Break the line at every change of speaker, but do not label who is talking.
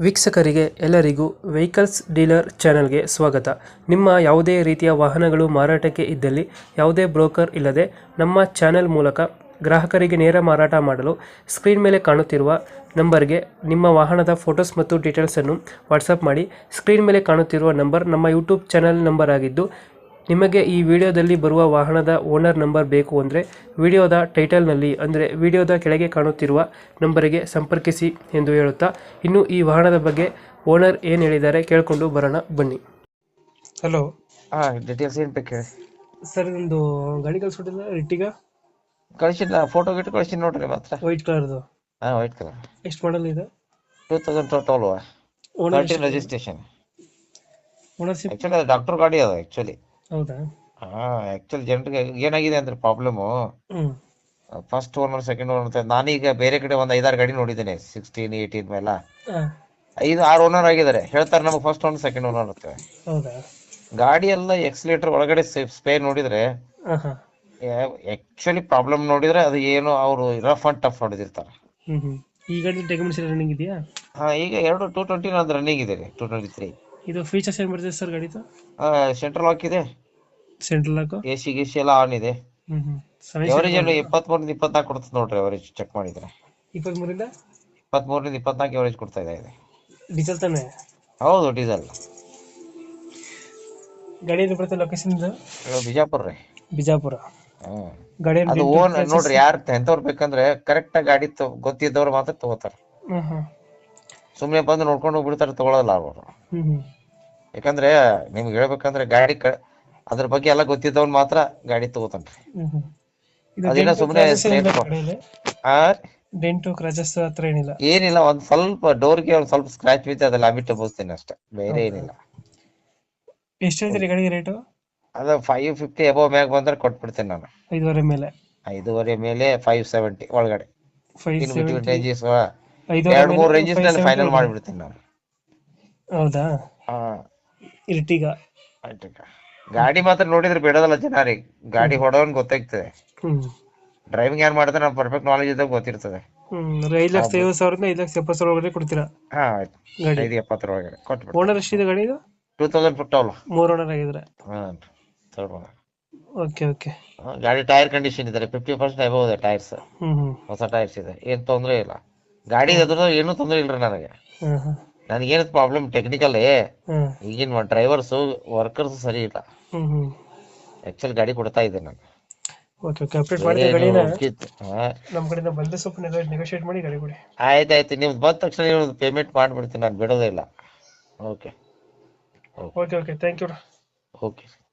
ವೀಕ್ಷಕರಿಗೆ ಎಲ್ಲರಿಗೂ vehicles dealer ಚಾನೆಲ್ಗೆ ಸ್ವಾಗತ. ನಿಮ್ಮ ಯಾವುದೇ ರೀತಿಯ ವಾಹನಗಳು ಮಾರಾಟಕ್ಕೆ ಇದ್ದಲ್ಲಿ ಯಾವುದೇ ಬ್ರೋಕರ್ ಇಲ್ಲದೆ ನಮ್ಮ ಚಾನೆಲ್ ಮೂಲಕ ಗ್ರಾಹಕರಿಗೆ ನೇರ ಮಾರಾಟ ಮಾಡಲು ಸ್ಕ್ರೀನ್ ಮೇಲೆ ಕಾಣುತ್ತಿರುವ ನಂಬರ್ಗೆ ನಿಮ್ಮ ವಾಹನದ ಫೋಟೋಸ್ ಮತ್ತು ಡೀಟೇಲ್ಸನ್ನು ವಾಟ್ಸಪ್ ಮಾಡಿ. ಸ್ಕ್ರೀನ್ ಮೇಲೆ ಕಾಣುತ್ತಿರುವ ನಂಬರ್ ನಮ್ಮ ಯೂಟ್ಯೂಬ್ ಚಾನೆಲ್ ನಂಬರ್ ಆಗಿದ್ದು, ನಿಮಗೆ ಈ ವಿಡಿಯೋದಲ್ಲಿ ಬರುವ ವಾಹನದ ಓನರ್ ನಂಬರ್ ಬೇಕು ಅಂದರೆ ವಿಡಿಯೋದ ಟೈಟಲ್ನಲ್ಲಿ ಅಂದರೆ ವಿಡಿಯೋದ ಕೆಳಗೆ ಕಾಣುತ್ತಿರುವ ನಂಬರಿಗೆ ಸಂಪರ್ಕಿಸಿ ಎಂದು ಹೇಳುತ್ತಾ, ಇನ್ನು ಈ ವಾಹನದ ಬಗ್ಗೆ ಓನರ್ ಏನು ಹೇಳಿದ್ದಾರೆ ಕೇಳಿಕೊಂಡು ಬರೋಣ ಬನ್ನಿ. ಹಲೋ
ಡೀಟೇಲ್ಸ್ ಏನ್ ಬೇಕು ಹೇಳಿ
ಸರ್, ನಿಮ್ಮದು ಗಾಡಿ ಕಳಿಸ್ಬಿಟ್ಟಿಲ್ಲ ರಿಟ್ಟಿಗ
ಕಳಿಸಿಲ್ಲ. ಫೋಟೋ ಗಿಟ್ಟು ಕಳಿಸಿ ನೋಡ್ರಿ ಮಾತ್ರ.
ವೈಟ್ ಕಲರ್ದು.
White colour.
ಎಷ್ಟು ಮಾಡಲ್ ಇದೆ?
2012
ಓನರ್
ರಿಜಿಸ್ಟ್ರೇಷನ್.
ಓನರ್ಶಿಪ್
ಆಕ್ಚುಲಿ ಅದು ಡಾಕ್ಟರ್ ಗಾಡಿ ಅದ ಆಕ್ಚುಲಿ.
ಹೌದಾ?
ಆಕ್ಚುಲಿ ಜನರಿಗೆ ಏನಾಗಿದೆ ಅಂದ್ರೆ problem, first owner second owner ಅಂತ. ನಾನೀಗ ಬೇರೆ ಕಡೆ ಒಂದ್ 5-6 ಗಾಡಿ ನೋಡಿದ್ದೇನೆ, 16, 18 ಮೇಲೆ 5-6 ಓನರ್ ಆಗಿದ್ದಾರೆ. ಹೇಳ್ತಾರೆ ನಮಗೆ ಫಸ್ಟ್ ಓನರ್ ಸೆಕೆಂಡ್ ಓನರ್ ಅಂತ.
ಹೌದಾ?
ಗಾಡಿ ಎಲ್ಲ ಎಕ್ಸಿಲೇಟರ್ ಒಳಗಡೆ ಸ್ಪೇರ್ ನೋಡಿದ್ರೆ ಆಕ್ಚುಲಿ ಪ್ರಾಬ್ಲಮ್ ನೋಡಿದ್ರೆ ಅದು ಏನು ಅವರು ರಫ್ ಅಂಡ್ ಟಫ್ ಹೊಡೆದಿರ್ತಾರೆ.
ಈ ಗಾಡಿ ಡಾಕ್ಯುಮೆಂಟ್ಸ್ ರನ್ನಿಂಗ್ ಇದೆಯಾ?
ಈಗ 220 ಒಂದು ರನ್ನಿಂಗ್ ಇದೆ. 223.
ಇದು ಫೀಚರ್ಸ್ ಏನು ಬರ್ತದೆ ಸರ್ ಗಾಡಿದು?
ಸೆಂಟ್ರಲ್ ಲಾಕ್ ಇದೆ,
ಸೆಂಟ್ರಲ್ ಲಾಕ್,
ಎಸಿ ಗಿಸಿ ಎಲ್ಲ ಆನ್ ಇದೆ. ಎವರೇಜ್ 23-24 ಕೊಡ್ತದೆ ನೋಡ್ರಿ. ಎವರೇಜ್ ಚೆಕ್ ಮಾಡಿದ್ರೆ
23ರಿಂದ
24 ಎವರೇಜ್ ಕೊಡ್ತಾ ಇದೆ.
ಡೀಸೆಲ್ ತಾನೆ?
ಹೌದು, ಡೀಸೆಲ್.
ಗಾಡಿ ಎಲ್ಲಿ ಬರ್ತದೆ ಲೊಕೇಶನ್?
ಬಿಜಾಪುರ ರೀ.
ಬಿಜಾಪುರ. ಗಾಡಿ
ಅದು ಓನ್ ನೋಡ್ರಿ. ಯಾರು ಎಂತವ್ರು ಬೇಕಂದ್ರೆ ಕರೆಕ್ಟ್ ಆಗಿ ಗಾಡಿ ಗೊತ್ತಿದ್ದವ್ರು ಮಾತ್ರ ತಗೋತಾರ. ಸುಮ್ನೆ ಬಂದು ನೋಡ್ಕೊಂಡು ಹೋಗ್ಬಿಡ್ತಾರೆ, ತಗೊಳಲ್ಲ ಅವರು. ಯಾಕಂದ್ರೆ ನಿಮ್ಗೆ ಹೇಳ್ಬೇಕಂದ್ರೆ ಗಾಡಿ ಅದ್ರ ಬಗ್ಗೆ ಎಲ್ಲ ಗೊತ್ತಿದ್ದವ್ರು ಮಾತ್ರ ಗಾಡಿ ತಗೋತಾನ್ರಿ. ಅದಿನ ಸುಮ್ನೆ
ಡೆಂಟು ಕ್ರಾಚಸ್ ಹತ್ರ ಏನಿಲ್ಲ?
ಏನಿಲ್ಲ, ಒಂದ್ ಸ್ವಲ್ಪ ಡೋರ್ಗೆ ಒಂದ್ ಸ್ವಲ್ಪ ಸ್ಕ್ರಾಚ್ ಬಿತ್ತು, ಅದೆಲ್ಲ ಲಾಬಿಟ್ ಬೋಸ್ತೀನಿ ಅಷ್ಟೇ, ಬೇರೆ ಏನಿಲ್ಲ.
ಎಷ್ಟು ಹೇಳ್ತೀರಿ ಗಾಡಿಗೆ ರೇಟು?
ಅದ 550 ಎಬೋ ಮ್ಯಾಗ ಬಂದ್ರೆ ಕೊಟ್ಬಿಡ್ತೇನೆ ನಾನು.
5.5 ಮೇಲೆ?
5.5 ಮೇಲೆ 570 ಒಳಗಡೆ.
570
ರೇಂಜಸ್ 2-3 ರೇಂಜಸ್ ನಲ್ಲಿ ಫೈನಲ್ ಮಾಡಿಬಿಡ್ತೀನಿ ನಾನು.
ಹೌದಾ? ಇರ್ಟಿಗ
ಗಾಡಿ ಮಾತ್ರ ನೋಡಿದ್ರೆ ಬಿಡೋದಲ್ಲ ಜನರಿಗೆ. ಗಾಡಿ ಹೊಡೋನ್ ಗೊತ್ತಾಗ್ತದೆ. ಡ್ರೈವಿಂಗ್ ಯಾರು ಮಾಡಿದ್ರೆ ನಾವು ಪರ್ಫೆಕ್ಟ್ ನಾಲೆಜ್ ಇದ್ದಾಗ ಗೊತ್ತಿರ್ತದೆ.
5,50,000 5,70,000 ಒಳಗಡೆ ಕೊಡ್ತೀರಾ?
ಆಯ್ತು, 570 ಒಳಗಡೆ ಕೊಟ್ಬಿಡ್ತೀನಿ.
ಓನರ್ ಎಷ್ಟಿದೆ ಗಾಡಿ ಇದು?
2012.
3 ಓನರ್ ಆಗಿದ್ರೆ? Okay okay.
ಗಾಡಿ ಟೈರ್ ಕಂಡೀಷನ್ ಇದೆ, 50% ಅಬೌವ್ ಇದೆ ಟೈರ್ಸ್. ಹೊಸ ಟೈರ್ಸ್ ಇದೆ, ಏನ್ ತೊಂದ್ರೆ ಇಲ್ಲ. ಗಾಡಿ ಅದ್ರ ಏನು ತೊಂದ್ರೆ ಇಲ್ರಿ ನನಗೆ. ನನಗೇನು ಪ್ರಾಬ್ಲಮ್ ಟೆಕ್ನಿಕಲ್. ಈಗಿನ ಡ್ರೈವರ್ಸ್ ವರ್ಕರ್ಸ್ ಸರಿ ಇಲ್ಲ. ಆಕ್ಚುಲಿ ಗಾಡಿ ಕೊಡ್ತಾ ಇದ್ದೆ ನಾನು.
ಓಕೆ ಓಕೆ, ಅಪ್ಡೇಟ್ ಮಾಡಿ ಗಾಡಿನ ನಮ್ಮ ಕಡೆಯಿಂದ ಬಂದ್ರೆ ಸ್ವಲ್ಪ ನೆಗೋಶಿಯೇಟ್ ಮಾಡಿ ಗಾಡಿ ಕೊಡಿ.
ಆಯ್ತಾಯ್ತು, ನಿಮ್ದು ಬಂದ ತಕ್ಷಣ ನೀವು ಪೇಮೆಂಟ್ ಮಾಡ್ಬಿಡ್ತೀನಿ, ನಾನು ಬಿಡೋದೇ ಇಲ್ಲ. Okay
okay okay, thank you.
Okay.